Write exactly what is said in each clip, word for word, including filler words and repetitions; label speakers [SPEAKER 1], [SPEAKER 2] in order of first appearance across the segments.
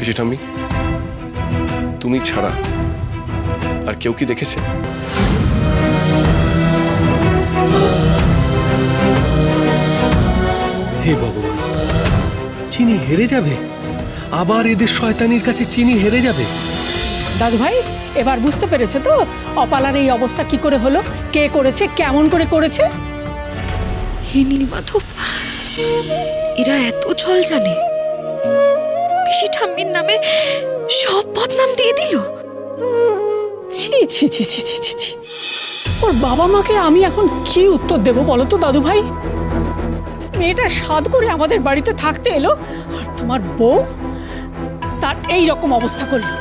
[SPEAKER 1] পিসি ঠাম্মি, তুমি ছাড়া আর কেউ কি দেখেছে?
[SPEAKER 2] হে ভগবান, চিনি হেরে যাবে? আবার এদের শয়তানির কাছে চিনি হেরে যাবে?
[SPEAKER 3] দাদু ভাই, এবার বুঝতে পেরেছো তো অপালার এই অবস্থা কি করে হলো, কে করেছে, কেমন করে করেছে?
[SPEAKER 4] হে নীলমাধব, এরা এত ছল জানে? পিসি ঠাম্মির নামে সব বদনাম দিয়ে দিল।
[SPEAKER 3] ছি ছি ছি ছি ছি ছি ছি। ওর বাবা মাকে আমি এখন কি উত্তর দেব বলো তো দাদু ভাই? মেয়েটা সাধ করে আমাদের বাড়িতে থাকতে এলো, আর তোমার বউ তার এই রকম অবস্থা করলো।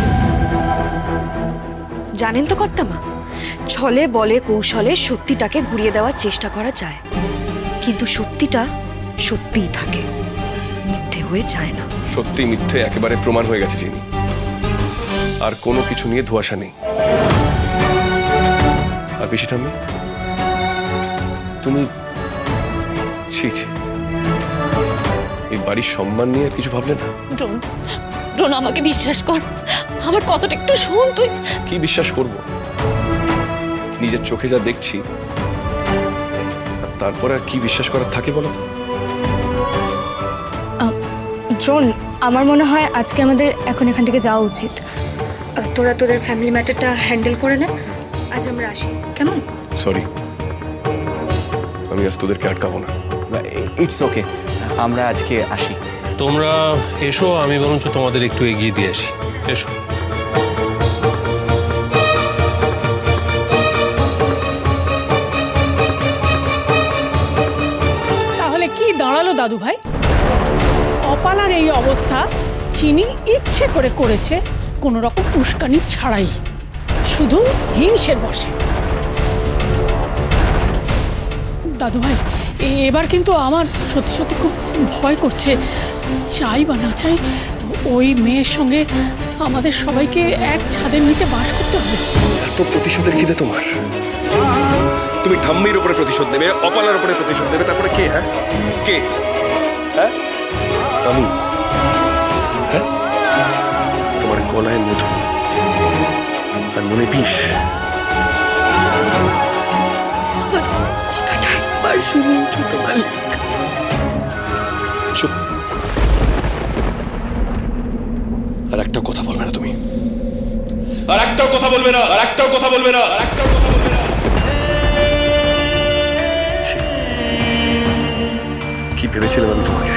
[SPEAKER 4] জানেন তো কর্তামা, ছলে বলে কৌশলে সত্যিটাকে ঘুরিয়ে দেওয়ার চেষ্টা করা যায়, কিন্তু সত্যিটা সত্যিই থাকে, মিথ্যে হয়ে যায় না।
[SPEAKER 1] সত্যি মিথ্যে একেবারে প্রমাণ হয়ে গেছে চিনি, আর কোনো কিছু নিয়ে ধোঁয়াশা নেই। আর পিসি ঠাম্মি, তুমি ছি ছি, এই বাড়ির সম্মান নিয়ে আর কিছু ভাবলে না?
[SPEAKER 5] দ্রোণ, দ্রোণ আমাকে বিশ্বাস কর, আমার কথাটা একটু শোন তুই।
[SPEAKER 1] কি বিশ্বাস করব? নিজের চোখে যা দেখছি, আর তারপরে আর কি বিশ্বাস করার থাকে বলো তো?
[SPEAKER 6] দ্রোণ, আমার মনে হয় আজকে আমাদের এখন এখান থেকে যাওয়া উচিত। আহ, তোরা তোদের ফ্যামিলি ম্যাটারটা হ্যান্ডেল করে নে, আজ আমরা আসি, কেমন?
[SPEAKER 1] সরি, আমি আজ তোদেরকে আটকাবো না।
[SPEAKER 7] ইটস ওকে, আমরা আজকে আসি।
[SPEAKER 2] তোমরা এসো, আমি বরঞ্চ তোমাদের একটু এগিয়ে দিয়ে আসি। এসো।
[SPEAKER 3] তাহলে কি দাঁড়ালো দাদু ভাই? অপালার এই অবস্থা চিনি ইচ্ছে করে করেছে, কোনো রকম উস্কানি ছাড়াই, শুধু হিংসের বশে। দাদু ভাই, এ- এবার কিন্তু আমার সত্যি সত্যি খুব ভয় করছে। চাই বা না চাই, ওই মেয়ের সঙ্গে আমাদের সবাইকে এক ছাদের নিচে বাস করতে হবে।
[SPEAKER 1] এত প্রতিশোধের খিদে তোমার? তুমি ঠাম্মির উপরে প্রতিশোধ নেবে, অপালার উপরে প্রতিশোধ নেবে, তারপরে কে? হ্যাঁ কে? হ্যাঁ আমি? হ্যাঁ, তোমার গলায় মধু আর মনে বিষ।
[SPEAKER 4] কথাটা একবার শুনুন ছোট মালিক।
[SPEAKER 1] চুপ। আর একটাও কথা বলবে না তুমি, আর একটাও কথা বলবে না, আর একটাও কথা বলবে না, আর একটাও কথা বলবে না। ছি, কি ভেবেছিলাম আমি তোমাকে?